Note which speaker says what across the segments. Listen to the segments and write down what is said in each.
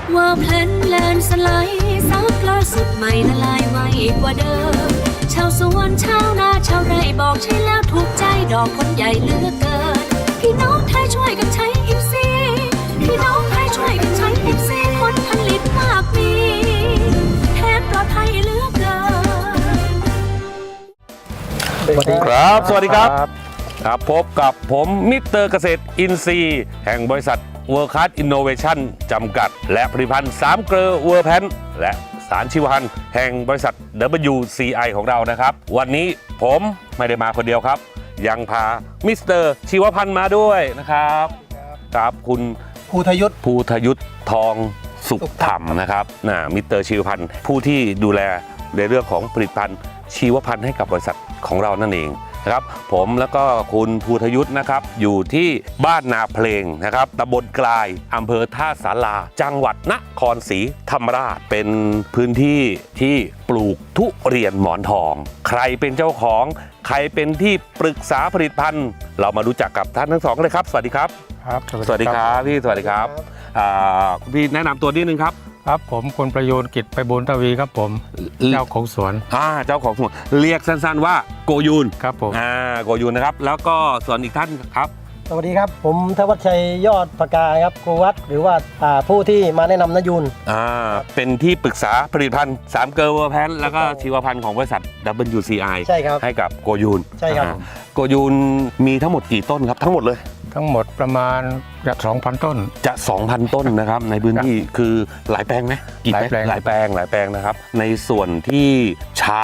Speaker 1: ว่าเพลนแลนสไลด์ซับล่าสุดใหม่ละลายไวกว่าเดิมชาวสวนชาวนาชาวไร่บอกใช่แล้วถูกใจดอกคนใหญ่เหลือเกินพี่น้องไทยช่วยกันใช้อิฟซีพี่น้องไทยช่วยกันใช้อิฟซีผลผลิตมากมีแทนปลอดภัยเหลือเกิน
Speaker 2: สวัสดีครับ สวัสดีครับครับพบกับผมมิสเตอร์เกษตรอินทรีย์แห่งบริษัทเวิร์คคัสอินโนเวชั่นจำกัดและผลิตภัณฑ์3เกลอเวอร์แพนและสารชีวพันธุ์แห่งบริษัท WCI ของเรานะครับวันนี้ผมไม่ได้มาคนเดียวครับยังพามิสเตอร์ชีวพันธุ์มาด้วยนะครับครับคุณ
Speaker 3: ภูทยุทธ
Speaker 2: ทองสุขธรรมนะครับมิสเตอร์ชีวพันธุ์ผู้ที่ดูแลในเรื่องของผลิตภัณฑ์ชีวพันธุ์ให้กับบริษัทของเรานั่นเองนะครับผมแล้วก็คุณภูทยุทธนะครับอยู่ที่บ้านนาเพลงนะครับตำบลกลายอำเภอท่าสาราจังหวัดนครศรีธรรมราชเป็นพื้นที่ที่ปลูกทุเรียนหมอนทองใครเป็นเจ้าของใครเป็นที่ปรึกษาผลิตภัณฑ์เรามารู้จักกับท่านทั้งสองเลยครับสวัสดีครับสวัสดีครับพี่สวัสดีครับพี่แนะนำตัวนิดนึงครับ
Speaker 4: ครับผมคุณประยูนกิจไปบุญทวีครับผมเจ้าของสวน
Speaker 2: เจ้าของสวนเรียกสั้นๆว่าโกยูน
Speaker 4: ครับผม
Speaker 2: โกยูนนะครับแล้วก็ส่วนอีกท่านครับ
Speaker 3: สวัสดีครับผมธวัชชัยยอดปากาครับครูวัดหรือว่าผู้ที่มาแนะนำนยูน
Speaker 2: เป็นที่ปรึกษาผลิตภัณฑ์3เกลอเวอร์แพนแล้วก็ชีวพันธุ์ของบริษัท WCI
Speaker 3: ใช่ครับ
Speaker 2: ให้กับโกยูน
Speaker 3: ใช่ครับ
Speaker 2: โกยูนมีทั้งหมดกี่ต้นครับทั้งหมดเลย
Speaker 4: ทั้งหมดประมาณจะ 2,000 ต้น
Speaker 2: จะ 2,000 ต้นนะครับในพื้นที่คือหลายแปลงไหมกี่แปลงหลายแปลงนะครับในส่วนที่ใช้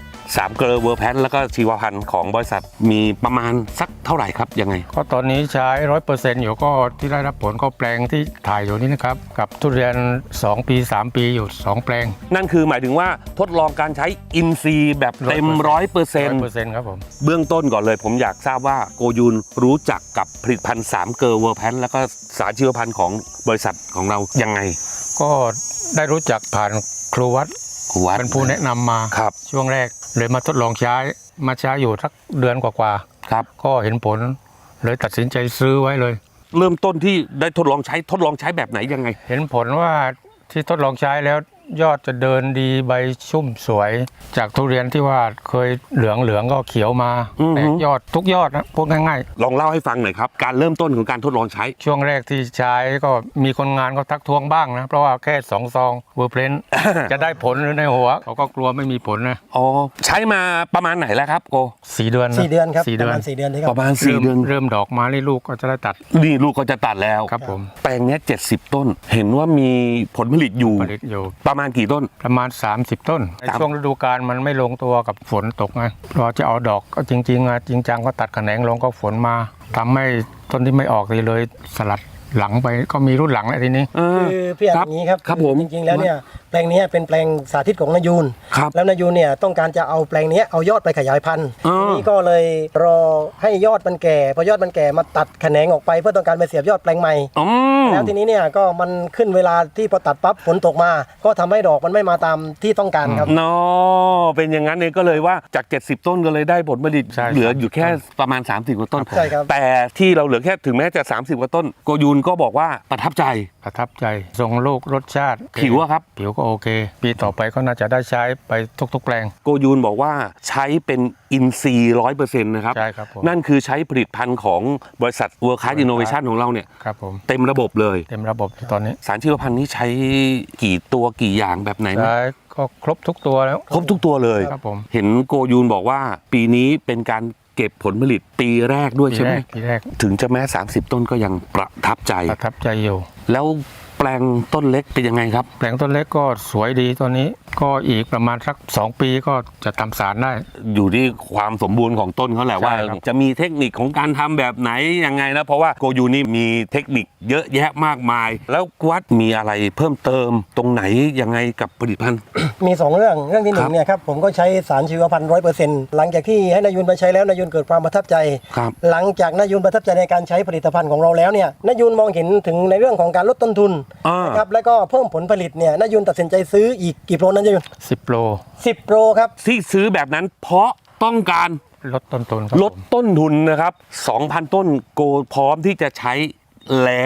Speaker 2: 3เกลอเวอร์แพนแล้วก็ชีวพันธุ์ของบริษัทมีประมาณสักเท่าไหร่ครับยังไง
Speaker 4: ก็ตอนนี้ใช้ 100% อยู่ก็ที่ได้รับผลก็แปลงที่ถ่ายอยู่นี่นะครับกับทุเรียน2 ปี 3 ปีอยู่2แปลง
Speaker 2: นั่นคือหมายถึงว่าทดลองการใช้อินทรีย์แบบเต็ม 100%
Speaker 4: ครับผม
Speaker 2: เบื้องต้นก่อนเลยผมอยากทราบว่าโกยูนรู้จักกับผลิตภัณฑ์3เกลอเวอร์แพนแล้วก็สารชีวพันธุ์ของบริษัทของเรายังไง
Speaker 4: ก็ได้รู้จักผ่านครูวัดเป็นผู้แนะนำมาช่วงแรกเลยมาทดลองใช้อยู่สักเดือนกว่า
Speaker 2: ๆครับ
Speaker 4: ก็เห็นผลเลยตัดสินใจซื้อไว้เลย
Speaker 2: เริ่มต้นที่ได้ทดลองใช้แบบไหนยังไง
Speaker 4: เห็นผลว่าที่ทดลองใช้แล้วยอดจะเดินดีใบชุ่มสวยจากทุเรียนที่ว่าเคยเหลืองก็เขียวมาแตกยอดทุกยอดนะพูดง่าย
Speaker 2: ๆลองเล่าให้ฟังหน่อยครับการเริ่มต้นของการทดลองใช้
Speaker 4: ช่วงแรกที่ใช้ก็มีคนงานก็ทักท้วงบ้างนะเพราะว่าแค่2 ซองเวอร์เพลนจะได้ผลหรือในหัวเขาก็กลัวไม่มีผลนะ
Speaker 2: ใช้มาประมาณไหนแล้วครับโก
Speaker 4: 4 เดือน
Speaker 3: ครับประมาณ4 เดือน
Speaker 2: ประมาณ4 เดือน
Speaker 4: เริ่มดอกมานี่ลูกก็จะได้ตัด
Speaker 2: นี่ลูกก็จะตัดแล้ว
Speaker 4: ครับผม
Speaker 2: แปลงนี้70 ต้นเห็นว่ามีผลผลิตอยู่ประมาณกี่ต้น
Speaker 4: ประมาณ30 ต้นในช่วงฤดูกาลมันไม่ลงตัวกับฝนตกไงรอจะเอาดอกก็จริงจังก็ตัดแขนงลงก็ฝนมาทำให้ต้นที่ไม่ออกเลยสลัดหลังไปก็มีรุ่นหลังแล้วทีนี้
Speaker 3: คือพี่อย่างนี้ครับ
Speaker 2: ผม
Speaker 3: จริงๆแล้วเนี่ยแปลงนี้เป็นแปลงสาธิตของนยูนแล้วนยูนเนี่ยต้องการจะเอาแปลงนี้เอายอดไปขยายพันธุ์นี่ก็เลยรอให้ยอดมันแก่พอยอดมันแก่มาตัดแขนงออกไปเพื่อต้องการไปเสียบยอดแปลงใหม่แล้วทีนี้เนี่ยก็มันขึ้นเวลาที่พอตัดปั๊บฝนตกมาก็ทำให้ดอกมันไม่มาตามที่ต้องการครับ
Speaker 2: เป็นอย่างนั้นเองก็เลยว่าจาก70 ต้นก็เลยได้ผลผลิตเหลืออยู่แค่ประมาณ30 กว่าต้นแต่ที่เราเหลือแค่ถึงแม้จะ30 กว่าต้นโกยูนก็บอกว่าประทับใจ
Speaker 4: ทรงลูกรสชาติ
Speaker 2: ผิวครับ
Speaker 4: ผิวก็โอเคปีต่อไปก็น่าจะได้ใช้ไปทุกๆแปลง
Speaker 2: โกยูนบอกว่าใช้เป็นอินทรีย์ 100% นะครับ
Speaker 4: ใช่ครับผม
Speaker 2: นั่นคือใช้ผลิตภัณฑ์ของบริษัท World Class Innovation ของเราเนี่ย
Speaker 4: ครับผม
Speaker 2: เต็มระบบเลย
Speaker 4: เต็มระบบตอนนี้
Speaker 2: สารชีวพันธุ์นี้ใช้กี่ตัวกี่อย่างแบบไหน
Speaker 4: ใช้ก็ครบทุกตัวแล้ว
Speaker 2: ครบทุกตัวเลย
Speaker 4: ครับผม
Speaker 2: เห็นโกยูนบอกว่าปีนี้เป็นการเก็บผลผลิตปีแรกด้วยใช่ไหม
Speaker 4: ปีแรก
Speaker 2: ถึงจะแม้30 ต้นก็ยังประทับใจ
Speaker 4: อยู่
Speaker 2: แล้วแปลงต้นเล็กเป็นยังไงครับ
Speaker 4: แปลงต้นเล็กก็สวยดีตอนนี้ก็อีกประมาณสัก2 ปีก็จะทำสารได้
Speaker 2: อยู่ที่ความสมบูรณ์ของต้นเขาแหละว่าจะมีเทคนิคของการทำแบบไหนยังไงนะเพราะว่าโกยูนี่มีเทคนิคเยอะแยะมากมายแล้ววัดมีอะไรเพิ่มเติมตรงไหนยังไงกับผลิตภัณฑ์
Speaker 3: มี2 เรื่องที่1เนี่ยครับผมก็ใช้สารชีวพันธุ์ 100% หลังจากที่ให้นายยุนไปใช้แล้วนายยุนเกิดความประทับใจหลังจากนายยุนประทับใจในการใช้ผลิตภัณฑ์ของเราแล้วเนี่ยนายยุนมองเห็นถึงในเรื่องของการลดต้นทุนนะครับแล้วก็เพิ่มผลผลิตเนี่ยนายยุนตัดสินใจซื้ออีกกี่โปรนั้นนายยุน
Speaker 4: 10 โปร
Speaker 3: ครับ
Speaker 2: ที่ซื้อแบบนั้นเพราะต้องการ
Speaker 4: ลดต้นทุน
Speaker 2: นะครับ 2,000 ต้นโกพร้อมที่จะใช้แล้ว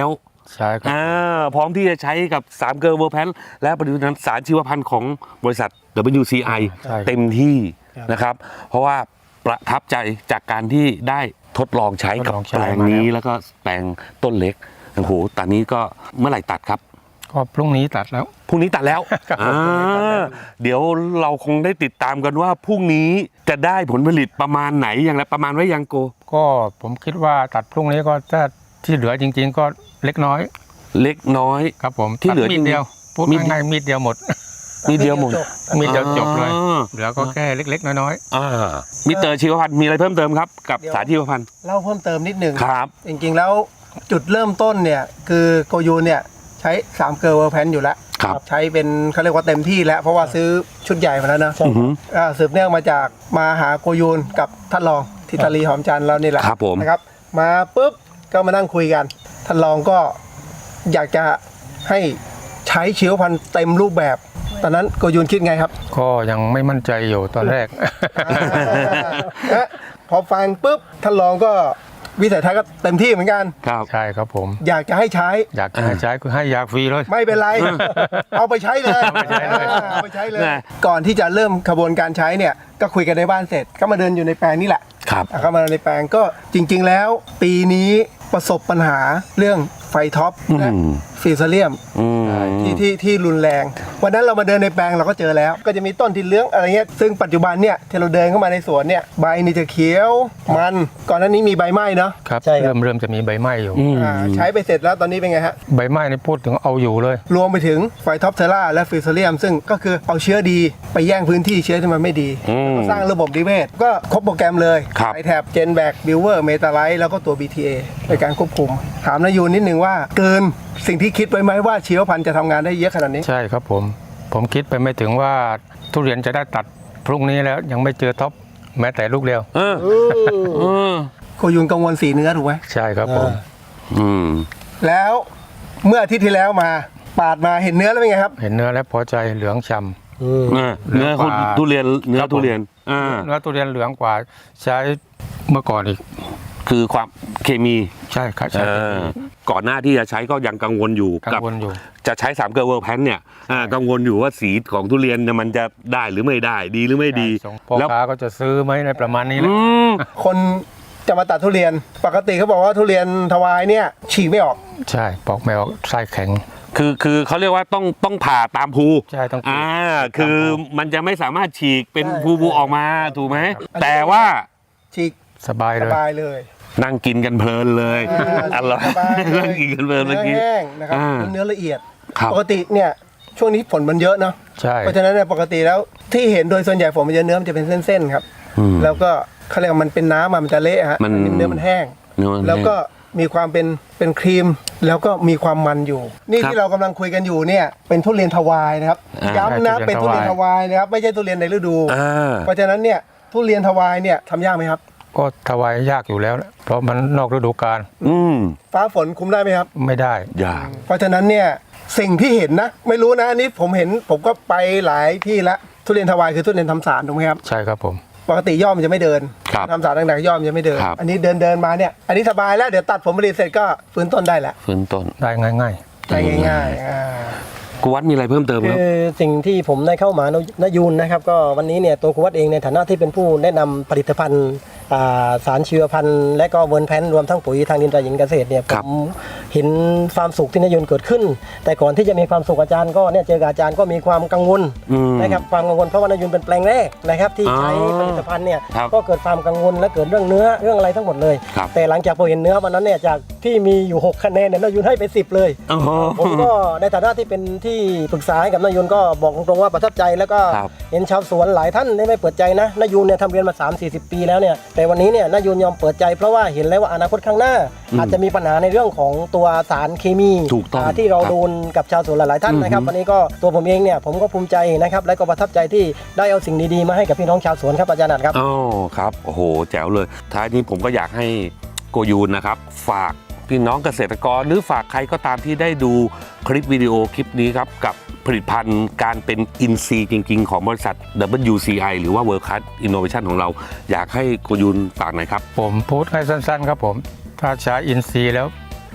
Speaker 4: ใช่ครับ
Speaker 2: พร้อมที่จะใช้กับ3เกลอเวอร์แพนและผลิตภัณฑ์สารชีวพันธุ์ของบริษัท WCI
Speaker 4: ใช่
Speaker 2: เต็มที่
Speaker 3: ครับ
Speaker 2: นะครับ เพราะว่าประทับใจจากการที่ได้ทดลองใช้กับ
Speaker 4: ทดลองใช้
Speaker 2: แปลงนี้แล้วก็แปลงต้นเล็กโอ้โหตอนนี้ก็เมื่อไหร่ตัดครับ
Speaker 4: ก็พรุ่งนี้ตัดแล้ว
Speaker 2: พรุ่งนี้ตัดแล้ว
Speaker 4: ครับผมพรุ่งนี้ตัดแล้ว
Speaker 2: เดี๋ยวเราคงได้ติดตามกันว่าพรุ่งนี้จะได้ผลผลิตประมาณไหนอย่างไรประมาณไว้ยังโก
Speaker 4: ก็ผมคิดว่าตัดพรุ่งนี้ก็ถ้าที่เหลือจริง ๆ ก็เล็กน้อย
Speaker 2: เล็กน้อย
Speaker 4: ครับผม
Speaker 2: ที่เหลือ
Speaker 4: ตัดมีดเดียวพูด
Speaker 2: มีด
Speaker 4: ง่ายๆมีดเดียวหมด
Speaker 2: มีเดียวหมด
Speaker 4: มีดเดียวจบเลย
Speaker 2: อ่า
Speaker 4: เหลือก็แค่เล็กๆน้อย
Speaker 2: มิสเตอร์ชีวพันธ์มีอะไรเพิ่มเติมครับกับสารชีวพันธ์
Speaker 3: เล่าเพิ่มเติมนิดหนึ่ง
Speaker 2: ครับ
Speaker 3: จริงๆแล้วจุดเริ่มต้นเนี่ยคือโกยูนเนี่ยใช้3เกลอเวอร์แพนอยู่แล้ว
Speaker 2: ครับ
Speaker 3: ใช้เป็นเขาเรียกว่าเต็มที่แล้วเพราะว่าซื้อชุดใหญ่มาแล้วนะ
Speaker 2: อือหือ
Speaker 3: สืบเนื่องมาจากมาหาโกยูนกับท่านรองทิตาลีหอมจันทร์เรานี่แหละ
Speaker 2: ครับผม
Speaker 3: นะครับมาปุ๊บก็มานั่งคุยกันท่านรองก็อยากจะให้ใช้ชีวพันธุ์เต็มรูปแบบ ตอนนั้นโกยูนคิดไงครับ
Speaker 4: ๆ ก็ยังไม่มั่นใจอยู่ตอนแรก
Speaker 3: พอฟังปุ๊บท่านรองก็วิสัยทัศน์ก็เต็มที่เหมือนกัน
Speaker 2: ครับ
Speaker 4: ใช่ครับผม
Speaker 3: อยากจะให้ใช้
Speaker 4: อยากจะให้ใช้คือให้ยาฟรีเลย
Speaker 3: ไม่เป็นไร เอาไปใช้เลย
Speaker 4: เอาไปใช้เลย
Speaker 3: เอาไปใช้เลย
Speaker 2: นะ
Speaker 3: ก่อนที่จะเริ่มขบวนการใช้เนี่ยก็คุยกันในบ้านเสร็จก็มาเดินอยู่ในแปลงนี่แหละ
Speaker 2: ครับ
Speaker 3: เข้ามาในแปลงก็จริง ๆ แล้ว ปีนี้ประสบปัญหาเรื่องไฟท็อปและ
Speaker 2: อืม
Speaker 3: ฟีซาเลียม
Speaker 2: อืม
Speaker 3: ที่รุนแรง วันนั้นเรามาเดินในแปลงเราก็เจอแล้ว ก็จะมีต้นที่เหลื้องอะไรเงี้ยซึ่งปัจจุบันเนี่ยที่เราเดินเข้ามาในสวนเนี่ยใบนี่จะเขียวมันก่อนหน้านี้มีใบไหม้เนาะ
Speaker 4: ครับ
Speaker 3: ใช่ครับ
Speaker 4: เริ่มจะมีใบไหม้อยู่
Speaker 3: ใช้ไปเสร็จแล้วตอนนี้เป็นไงฮะ
Speaker 4: ใบไหม้นี่พูดถึงเอาอยู่เลย
Speaker 3: รวมไปถึงไฟท็อปเทล่าและฟิวเซเลียมซึ่งก็คือเอาเชื้อดีไปแย่งพื้นที่เชื้อที่มันไม่ดี
Speaker 2: อืม
Speaker 3: สร้างระบบนิเวศก็ครบโปรแกรมเลย
Speaker 2: ครับ
Speaker 3: ไอแท็บเจนแบกบิวเวอร์เมตาไลท์แล้วก็ตัว BTA ในการควบคุม ถามนายูนนิดนึงว่าเกินสิ่งที่คิดไว้ไหมว่าชีวพันธุ์จะทำงานได้เยอะขนาดนี้
Speaker 4: ใช่ครับผมคิดไปไม่ถึงว่าทุเรียนจะได้ตัดพรุ่งนี้แล้วยังไม่เจอท็อปแม้แต่ลูกเดียว
Speaker 3: โคยุนกังวลสีเนื้อถูกไหม
Speaker 4: ใช่ครับผม
Speaker 2: อืม
Speaker 3: แล้วเมื่ออาทิตย์ที่แล้วมาปาดมาเห็นเนื้อแล้วเป็นไงครับ
Speaker 4: เห็นเนื้อแล้วพอใจเหลืองฉ่
Speaker 2: เนื้อทุเรียนเนื้อทุเรียน
Speaker 4: ำเนื้อทุเรียนเหลืองกว่าใช้เมื่อก่อนอีก
Speaker 2: คือความเคมี
Speaker 4: ใช่ครับใช่
Speaker 2: ก่อนหน้าที่จะใช้ก็ยังกังวลอยู่
Speaker 4: กั
Speaker 2: กั
Speaker 4: งวลอยู่
Speaker 2: จะใช้3เกลอเวอร์แพนเนี่ยกังวลอยู่ว่าสีของทุเรียนเนี่ยมันจะได้หรือไม่ได้ดีหรือไม่ดี
Speaker 4: พ่อ
Speaker 2: แล้ว
Speaker 4: ค้าก็จะซื้อไหมในประมาณนี้แหละ
Speaker 3: คนจะมาตัดทุเรียน ปกติเขาบอกว่าทุเรียนทวายเนี่ยฉีกไม่ออก
Speaker 4: ใช่ปอกไม่ออกไส้แข็ง
Speaker 2: คือเขาเรียกว่าต้องผ่าตามภู
Speaker 4: ใช่ต้อง
Speaker 2: คือมันจะไม่สามารถฉีกเป็น
Speaker 3: ใช่
Speaker 2: ภูออกมาถูกไหม
Speaker 3: ครับ
Speaker 2: แต่ว่า
Speaker 3: ฉีก
Speaker 4: สบาย
Speaker 3: ส
Speaker 4: เลย
Speaker 3: บายเลย
Speaker 2: นั่งกินกันเพลินเลยอร่อย
Speaker 3: สบายเลย
Speaker 2: นั่งกินกันเพลินเมื่อกี้
Speaker 3: เนื้อแห้งนะครับ
Speaker 2: อ่า
Speaker 3: เนื้อละเอียด
Speaker 2: ครับ
Speaker 3: ปกติเนี่ยช่วงนี้ฝนมันเยอะเนาะ
Speaker 4: ใช่
Speaker 3: เพราะฉะนั้นเนี่ยปกติแล้วที่เห็นโดยส่วนใหญ่ฝนมันจะเนื้อมันจะเป็นเส้นๆครับ
Speaker 2: อืม
Speaker 3: แล้วก็เขาเรียกว่ามันเป็นน้ำอะมันจะเละฮะ
Speaker 2: มัน
Speaker 3: เนื้อมันแห้ง
Speaker 2: เนื้อมัน
Speaker 3: แล้วก็มีความเป็นครีม แล้วก็มีความมันอยู่ นี่
Speaker 2: ครับ
Speaker 3: ที่เรากำลังคุยกันอยู่เนี่ยเป็นทุเรียนทวายนะครับ ย้ำนะเป็นทุเรียนทวายนะครับไม่ใช่ทุเรียนในฤดู
Speaker 2: อ่า
Speaker 3: เพราะฉะนั้นเนี่ยทุเรียนทวายเนี่ยทำยากไหมครับ
Speaker 4: ก็ถวายยากอยู่แล้วนะเพราะมันนอกฤดูกาล
Speaker 2: อืม
Speaker 3: ฟ้าฝนคุมได้ไหมครับ
Speaker 4: ไม่ได้
Speaker 2: ยาก
Speaker 3: เพราะฉะนั้นเนี่ยสิ่งที่เห็นนะ ไม่รู้นะอันนี้ผมเห็นผมก็ไปหลายที่ละทุเรียนทวายคือทุเรียนทำสารถูกไหมครับ
Speaker 4: ใช่ครับผม
Speaker 3: ปกติย่อมนจะไม่เดิน
Speaker 2: ครับ
Speaker 3: ทำสารต่างๆย่อมนจะไม่เดิน
Speaker 2: ครับ
Speaker 3: อันนี้เดินมาเนี่ยอันนี้สบายแล้วเดี๋ยวตัดผลผลิตเสร็จก็ฟื้นต้นได้แล้ว
Speaker 2: ฟื้นต้น
Speaker 4: ได้ง่าย
Speaker 3: ได้ง่ายๆ
Speaker 2: กูวัดมีอะไรเพิ่มเติมครับ
Speaker 3: คือสิ่งที่ผมได้เข้ามานายูนนะครับก็วันนี้เนี่ยตัวครูวัดเองในฐานะที่เป็นผู้แนะนำผลิตภัณฑ์สารชีวพันธุ์และก็เวิร์นแพนรวมทั้งปุ๋ยทางดินตราหญิงเกษตรเนี่ย
Speaker 2: ค
Speaker 3: ผ
Speaker 2: รับ
Speaker 3: มเห็นความสุขที่นายูนเกิดขึ้น แต่ก่อนที่จะมีความสุขอาจารย์ก็เนี่ยเจอกับอาจารย์ก็มีความกังวล
Speaker 2: อืม
Speaker 3: นะครับความกังวลเพราะว่านายูนเป็นแปลงแรกนะครับที่ใช้
Speaker 2: อ๋อ
Speaker 3: ผลิตภัณฑ์เนี่ย
Speaker 2: ครับ
Speaker 3: ก็เกิดความกังวลและเกิดเรื่องเนื้อเรื่องอะไรทั้งหมดเลย
Speaker 2: ครับ
Speaker 3: แต่หลังจากพอเห็นเนื้อวันนั้นเนี่ยจากที่มีอยู่6คะแนนเนี่ยนายูนให้ไป10เลย
Speaker 2: โอ้โห
Speaker 3: ผมก็ในฐานะที่เป็นที่ปรึกษาให้กับนายยุนก็บอกตรงๆว่าประทับใจแล้วก็
Speaker 2: ครับ
Speaker 3: เห็นชาวสวนหลายท่านได้ไม่เปิดใจนะนายยุนเนี่ยทำเรียนมา 3-40 ปีแล้วเนี่ยแต่วันนี้เนี่ยนายยุนยอมเปิดใจเพราะว่าเห็นแล้วว่าอนาคตข้างหน้า อาจจะมีปัญหาในเรื่องของตัวสารเคมี
Speaker 2: ถูกต้อง
Speaker 3: ที่เรา
Speaker 2: ครับ
Speaker 3: โดนกับชาวสวนหลายๆท่านนะครับ
Speaker 2: อือฮึ
Speaker 3: วันนี้ก็ตัวผมเองเนี่ยผมก็ภูมิใจนะครับและก็ประทับใจที่ได้เอาสิ่งดีๆมาให้กับพี่น้องชาวสวนครับอาจารย์นัทครับ
Speaker 2: อ๋อครับโอ้โหแจ๋วเลย ท้ายนี้ผมก็อยากให้โกยูนนะครับ ฝากพี่น้องเกษตรกรหรือฝากใครก็ตามที่ได้ดูคลิปวิดีโอคลิปนี้ครับ กับผลิตภัณฑ์การเป็นอินซีย์จริง ๆ ของบริษัท WCI หรือว่า World Class Innovation ของเรา อยากให้โกยูนฝากหน่อยครับ
Speaker 4: ๆ ผมพูดให้สั้นๆครับผม ถ้าใช้อินทรีย์แล้ว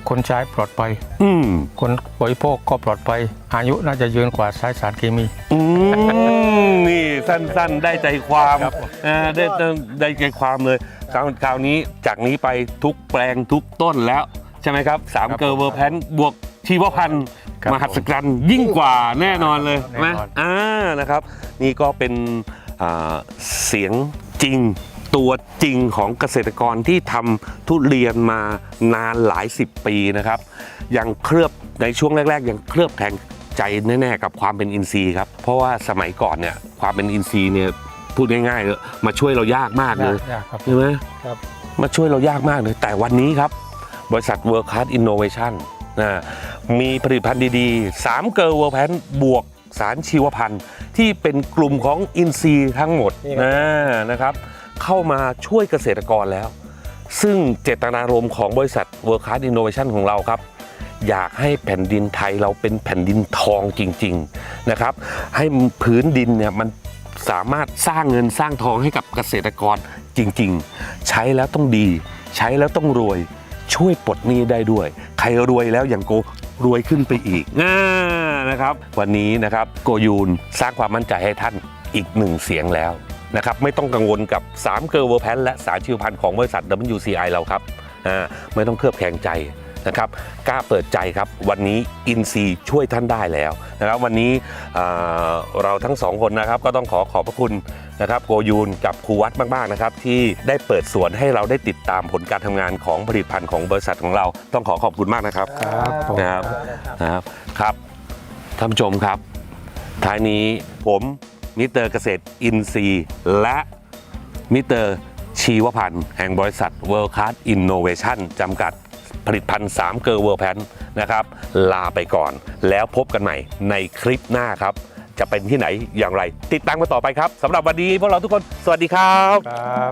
Speaker 4: คนใช้ปลอดภัย
Speaker 2: อืม
Speaker 4: คนบริโภคก็ปลอดภัยอายุน่าจะยืนกว่าใช้สารเคมี
Speaker 2: นี่สั้นๆได้ใจความ
Speaker 4: ครับผม
Speaker 2: ได้ใจความเลยคราวนี้จากนี้ไปทุกแปลงทุกต้นแล้วใช่ไหมครับ3เกอร์เวอร์แพนบวกชีวพันธุ์มหัศจรรย์ยิ่งกว่าแน่นอนเลยใช่ไหมนะครับนี่ก็เป็นเสียงจริงตัวจริงของเกษตรกรที่ทำทุเรียนมานานหลาย10 ปีนะครับยังเคลือบในช่วงแรกๆยังเคลือบแคลงใจแน่ๆกับความเป็นอินทรีย์ครับเพราะว่าสมัยก่อนเนี่ยความเป็นอินทรีย์เนี่ยพูดง่ายๆเลยมาช่วยเรายากมากเลย
Speaker 4: ยากครับ
Speaker 2: ใช่ไหม
Speaker 3: ครับ
Speaker 2: มาช่วยเรายากมากเลยแต่วันนี้ครับบริษัท World Class Innovation มีผลิตภัณฑ์ดีๆ3เกอร์เวอร์แพนบวกสารชีวพันธุ์ที่เป็นกลุ่มของอินทรีย์ทั้งหมดนะครับเข้ามาช่วยเกษตรกรแล้ว ซึ่งเจตนารมณ์ของบริษัท World Class Innovation ของเราครับอยากให้แผ่นดินไทยเราเป็นแผ่นดินทองจริงๆนะครับให้พื้นดินเนี่ยมันสามารถสร้างเงินสร้างทองให้กับเกษตรกรจริงๆใช้แล้วต้องดีใช้แล้วต้องรวยช่วยปลดหนี้ได้ด้วยใครรวยแล้วอย่างโกรวยขึ้นไปอีกนะครับวันนี้นะครับโกยูนสร้างความมั่นใจให้ท่านอีก1เสียงแล้วนะครับไม่ต้องกังวลกับ3เกอร์เวอร์แพนและสารชีวพันธุ์ของบริษัท WCI เราครับไม่ต้องเคลือบแคลงใจนะครับกล้าเปิดใจครับวันนี้อินซีช่วยท่านได้แล้วนะครับวันนี้เราทั้ง2คนนะครับก็ต้องขอบพระคุณนะครับโกยูนกับครูวัดมากๆนะครับที่ได้เปิดสวนให้เราได้ติดตามผลการทำงานของผลิตภัณฑ์ของบริษัทของเราต้องขอบคุณมากนะครับ
Speaker 4: ครับผม
Speaker 2: นะครับท่านผู้ชมครับท้ายนี้ผมมิสเตอร์เกษตรอินทรีย์และมิสเตอร์ชีวพันธ์แห่งบริษัท World Class Innovation จำกัดผลิตภัณฑ์3เกอร์เวอร์แพนนะครับลาไปก่อนแล้วพบกันใหม่ในคลิปหน้าครับจะเป็นที่ไหนอย่างไรติดตามกันต่อไปครับสำหรับวันนี้พวกเราทุกคนสวัสดีครับ
Speaker 4: ครับ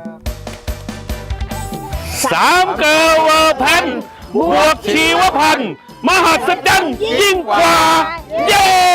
Speaker 2: 3เกอร์เวอร์แพนบวกชีวพันธ์มหัศจรรย์ยิ่งกว่าเย้